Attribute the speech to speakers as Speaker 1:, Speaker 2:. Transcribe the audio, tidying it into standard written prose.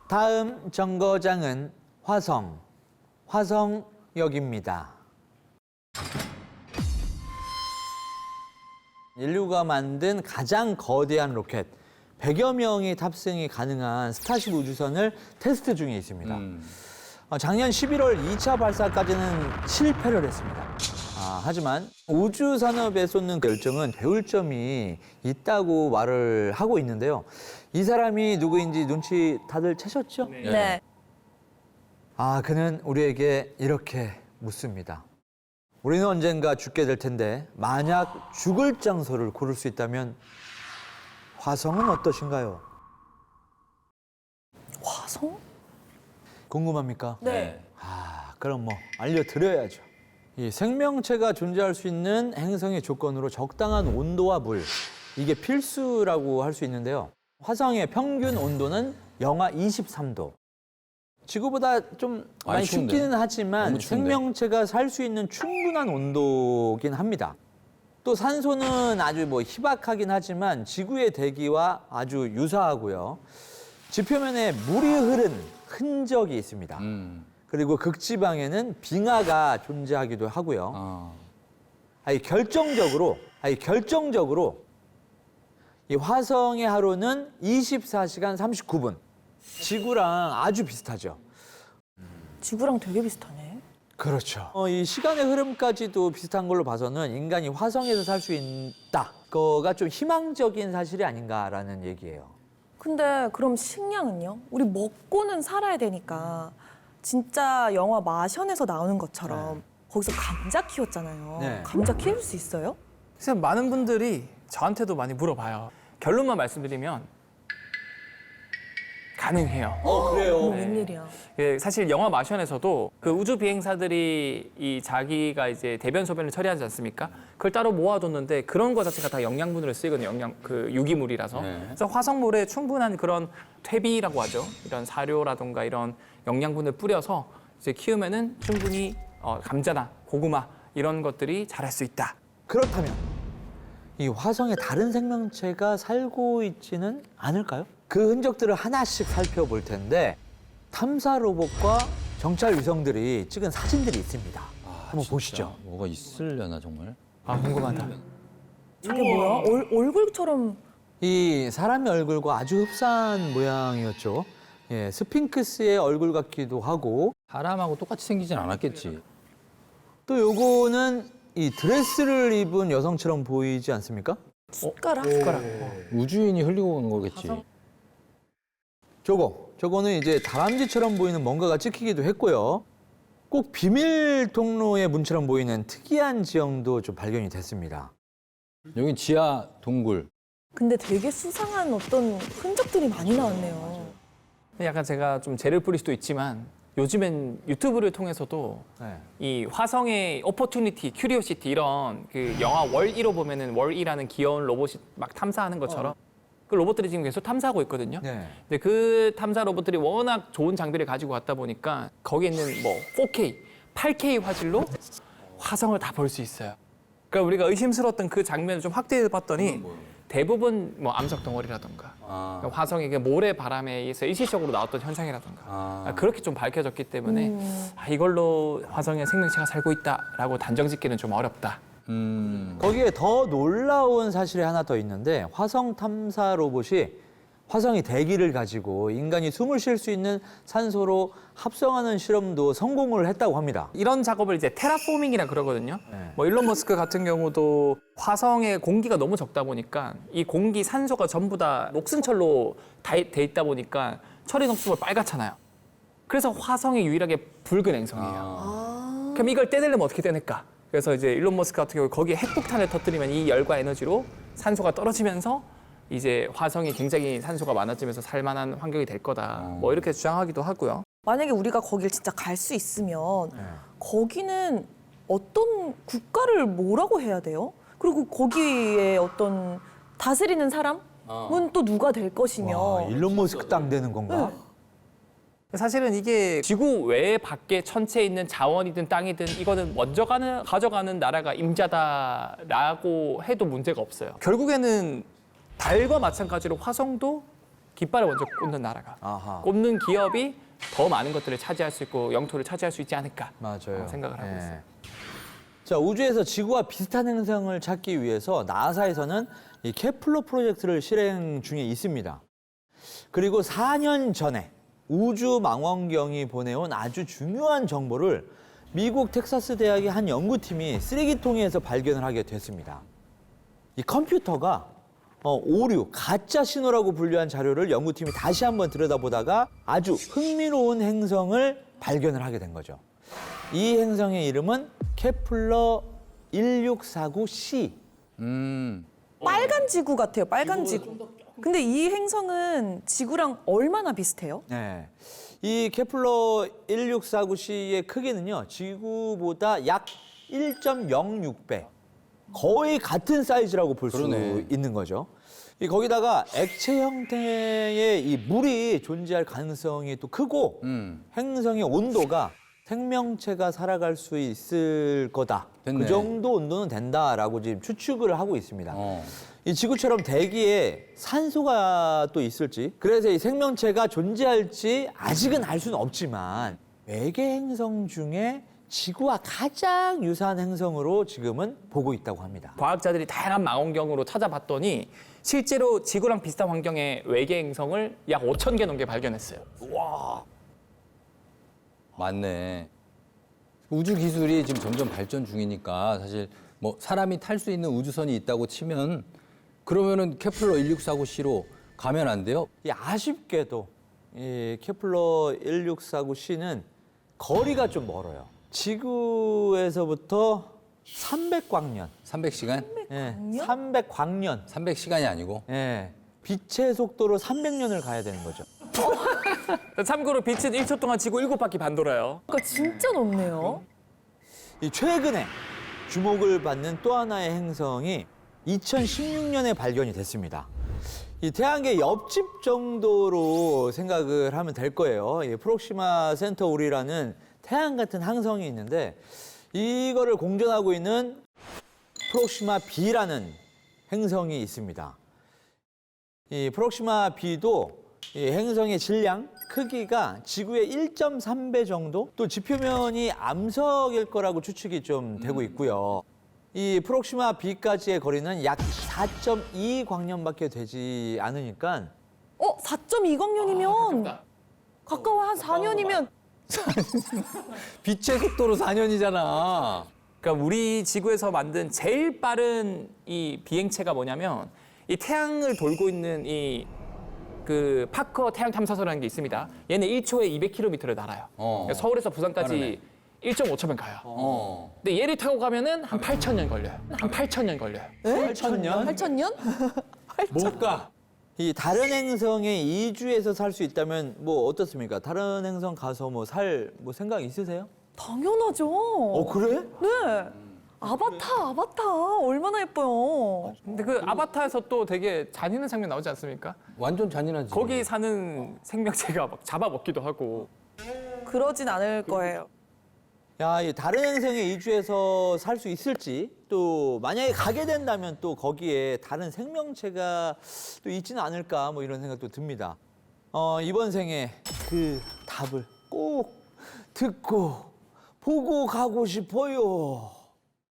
Speaker 1: 다음 정거장은 화성역입니다. 인류가 만든 가장 거대한 로켓, 100여 명이 탑승이 가능한 스타쉽 우주선을 테스트 중에 있습니다. 작년 11월 2차 발사까지는 실패를 했습니다. 하지만 우주산업에 쏟는 열정은 배울 점이 있다고 말을 하고 있는데요. 이 사람이 누구인지 눈치 다들 채셨죠?
Speaker 2: 네.
Speaker 1: 그는 우리에게 이렇게 묻습니다. 우리는 언젠가 죽게 될 텐데 만약 죽을 장소를 고를 수 있다면 화성은 어떠신가요?
Speaker 2: 화성?
Speaker 1: 궁금합니까?
Speaker 2: 네.
Speaker 1: 그럼 알려드려야죠. 이 생명체가 존재할 수 있는 행성의 조건으로 적당한 온도와 물, 이게 필수라고 할 수 있는데요. 화성의 평균 온도는 영하 23도. 지구보다 좀 많이 춥기는 하지만 생명체가 살 수 있는 충분한 온도긴 합니다. 또 산소는 아주 희박하긴 하지만 지구의 대기와 아주 유사하고요. 지표면에 물이 흐른 흔적이 있습니다. 그리고 극지방에는 빙하가 존재하기도 하고요. 결정적으로 이 화성의 하루는 24시간 39분. 지구랑 아주 비슷하죠.
Speaker 2: 지구랑 되게 비슷하네.
Speaker 1: 그렇죠. 이 시간의 흐름까지도 비슷한 걸로 봐서는 인간이 화성에서 살 수 있다. 그거가 좀 희망적인 사실이 아닌가라는 얘기예요.
Speaker 2: 근데 그럼 식량은요? 우리 먹고는 살아야 되니까 진짜 영화 마션에서 나오는 것처럼 거기서 감자 키웠잖아요.
Speaker 1: 네.
Speaker 2: 감자 키울 수 있어요?
Speaker 3: 그래서 많은 분들이 저한테도 많이 물어봐요. 결론만 말씀드리면 가능해요.
Speaker 1: 그래요?
Speaker 2: 웬일이야.
Speaker 3: 사실 영화 마션에서도 그 우주 비행사들이 이 자기가 이제 대변 소변을 처리하지 않습니까? 그걸 따로 모아뒀는데 그런 거 자체가 다 영양분으로 쓰이거든요. 유기물이라서. 그래서 화성물에 충분한 그런 퇴비라고 하죠. 이런 사료라든가 이런 영양분을 뿌려서 이제 키우면은 충분히 감자나 고구마 이런 것들이 자랄 수 있다.
Speaker 1: 그렇다면 이 화성에 다른 생명체가 살고 있지는 않을까요? 그 흔적들을 하나씩 살펴볼 텐데 탐사 로봇과 정찰 위성들이 찍은 사진들이 있습니다. 한번 보시죠.
Speaker 4: 뭐가 있으려나 정말?
Speaker 3: 궁금하다.
Speaker 2: 저게 뭐야? 얼굴처럼.
Speaker 1: 이 사람의 얼굴과 아주 흡사한 모양이었죠. 스핑크스의 얼굴 같기도 하고
Speaker 4: 사람하고 똑같이 생기진 않았겠지.
Speaker 1: 또 요거는 이 드레스를 입은 여성처럼 보이지 않습니까?
Speaker 2: 숟가락?
Speaker 4: 우주인이 흘리고 오는 거겠지.
Speaker 1: 저거는 이제 다람쥐처럼 보이는 뭔가가 찍히기도 했고요. 꼭 비밀 통로의 문처럼 보이는 특이한 지형도 좀 발견이 됐습니다.
Speaker 4: 여긴 지하 동굴.
Speaker 2: 근데 되게 수상한 어떤 흔적들이 많이 나왔네요.
Speaker 3: 약간 제가 좀 죄를 뿌릴 수도 있지만 요즘엔 유튜브를 통해서도 이 화성의 오퍼튜니티, 큐리오시티 이런 그 영화 월2로 보면은 월2라는 귀여운 로봇이 막 탐사하는 것처럼 그 로봇들이 지금 계속 탐사하고 있거든요. 근데 그 탐사 로봇들이 워낙 좋은 장비를 가지고 왔다 보니까 거기에 있는 4K, 8K 화질로 화성을 다 볼 수 있어요. 그러니까 우리가 의심스러웠던 그 장면을 좀 확대해 봤더니 대부분 암석 덩어리라던가 화성의 모래 바람에 의해서 일시적으로 나왔던 현상이라던가 그렇게 좀 밝혀졌기 때문에 이걸로 화성에 생명체가 살고 있다라고 단정짓기는 좀 어렵다.
Speaker 1: 거기에 더 놀라운 사실이 하나 더 있는데 화성 탐사 로봇이 화성의 대기를 가지고 인간이 숨을 쉴 수 있는 산소로 합성하는 실험도 성공을 했다고 합니다.
Speaker 3: 이런 작업을 이제 테라포밍이라 그러거든요. 일론 머스크 같은 경우도 화성에 공기가 너무 적다 보니까 이 공기 산소가 전부 다 녹슨철로 돼 있다 보니까 철이 녹슬면 빨갛잖아요. 그래서 화성이 유일하게 붉은 행성이에요. 그럼 이걸 떼내려면 어떻게 떼낼까? 그래서 이제 일론 머스크 같은 경우 거기에 핵폭탄을 터뜨리면 이 열과 에너지로 산소가 떨어지면서 이제 화성이 굉장히 산소가 많아지면서 살만한 환경이 될 거다. 이렇게 주장하기도 하고요.
Speaker 2: 만약에 우리가 거길 진짜 갈 수 있으면 거기는 어떤 국가를 뭐라고 해야 돼요? 그리고 거기에 어떤 다스리는 사람은 또 누가 될 것이며.
Speaker 1: 일론 머스크 땅 되는 건가?
Speaker 3: 사실은 이게 지구 외 밖에 천체에 있는 자원이든 땅이든 이거는 먼저 가져가는 나라가 임자다라고 해도 문제가 없어요. 결국에는 달과 마찬가지로 화성도 깃발을 먼저 꽂는 나라가
Speaker 1: 아하.
Speaker 3: 꽂는 기업이 더 많은 것들을 차지할 수 있고 영토를 차지할 수 있지 않을까
Speaker 1: 맞아요.
Speaker 3: 생각을 하고 있어요.
Speaker 1: 자, 우주에서 지구와 비슷한 행성을 찾기 위해서 나사에서는 이 케플러 프로젝트를 실행 중에 있습니다. 그리고 4년 전에 우주망원경이 보내온 아주 중요한 정보를 미국 텍사스 대학의 한 연구팀이 쓰레기통에서 발견을 하게 됐습니다. 이 컴퓨터가 오류, 가짜 신호라고 분류한 자료를 연구팀이 다시 한번 들여다보다가 아주 흥미로운 행성을 발견을 하게 된 거죠. 이 행성의 이름은 케플러 1649c.
Speaker 2: 빨간 지구 같아요. 빨간 지구. 근데 이 행성은 지구랑 얼마나 비슷해요?
Speaker 1: 네. 이 케플러 1649c의 크기는요, 지구보다 약 1.06배. 거의 같은 사이즈라고 볼 수
Speaker 4: 그러네.
Speaker 1: 있는 거죠. 거기다가 액체 형태의 이 물이 존재할 가능성이 또 크고 행성의 온도가 생명체가 살아갈 수 있을 거다.
Speaker 4: 됐네.
Speaker 1: 그 정도 온도는 된다라고 지금 추측을 하고 있습니다. 이 지구처럼 대기에 산소가 또 있을지, 그래서 이 생명체가 존재할지 아직은 알 수는 없지만 외계 행성 중에 지구와 가장 유사한 행성으로 지금은 보고 있다고 합니다.
Speaker 3: 과학자들이 다양한 망원경으로 찾아봤더니 실제로 지구랑 비슷한 환경의 외계 행성을 약 5,000개 넘게 발견했어요.
Speaker 4: 맞네. 우주 기술이 지금 점점 발전 중이니까 사실 뭐 사람이 탈 수 있는 우주선이 있다고 치면 그러면은 케플러 1649c로 가면 안 돼요?
Speaker 1: 이 아쉽게도 이 케플러 1649c는 거리가 좀 멀어요. 지구에서부터 300광년.
Speaker 4: 300시간?
Speaker 1: 예, 300광년.
Speaker 4: 300시간이 아니고.
Speaker 1: 예. 빛의 속도로 300년을 가야 되는 거죠.
Speaker 3: 참고로 빛은 1초 동안 지구 7바퀴 반 돌아요.
Speaker 2: 그러니까 진짜 높네요.
Speaker 1: 이 최근에 주목을 받는 또 하나의 행성이 2016년에 발견이 됐습니다. 이 태양계 옆집 정도로 생각을 하면 될 거예요. 이 프록시마 센터우리라는 태양 같은 항성이 있는데 이거를 공전하고 있는 프록시마 B라는 행성이 있습니다. 이 프록시마 B도 이 행성의 질량, 크기가 지구의 1.3배 정도? 또 지표면이 암석일 거라고 추측이 좀 되고 있고요. 이 프록시마 B까지의 거리는 약 4.2 광년밖에 되지 않으니까
Speaker 2: 4.2광년이면 가까워. 한 4년이면
Speaker 4: 빛의 속도로 4년이잖아.
Speaker 3: 그러니까 우리 지구에서 만든 제일 빠른 이 비행체가 뭐냐면 이 태양을 돌고 있는 이 그 파커 태양 탐사선이라는 게 있습니다. 얘는 1초에 200km를 날아요. 그러니까 서울에서 부산까지 1.5초면 가요. 근데 얘를 타고 가면은 한 8,000년 걸려요. 한 8,000년 걸려요.
Speaker 1: 8,000년?
Speaker 2: 8,000년?
Speaker 4: 못 가.
Speaker 1: 이 다른 행성에 이주해서 살 수 있다면 뭐 어떻습니까? 다른 행성 가서 뭐 생각 있으세요?
Speaker 2: 당연하죠.
Speaker 1: 그래?
Speaker 2: 네. 아바타 얼마나 예뻐요.
Speaker 3: 근데 그 아바타에서 또 되게 잔인한 장면 나오지 않습니까?
Speaker 4: 완전 잔인하지.
Speaker 3: 거기 사는 생명체가 막 잡아먹기도 하고.
Speaker 2: 그러진 않을 거예요.
Speaker 1: 야, 이 다른 행성에 이주해서 살 수 있을지, 또 만약에 가게 된다면 또 거기에 다른 생명체가 또 있지는 않을까 뭐 이런 생각도 듭니다. 이번 생에 그 답을 꼭 듣고 보고 가고 싶어요.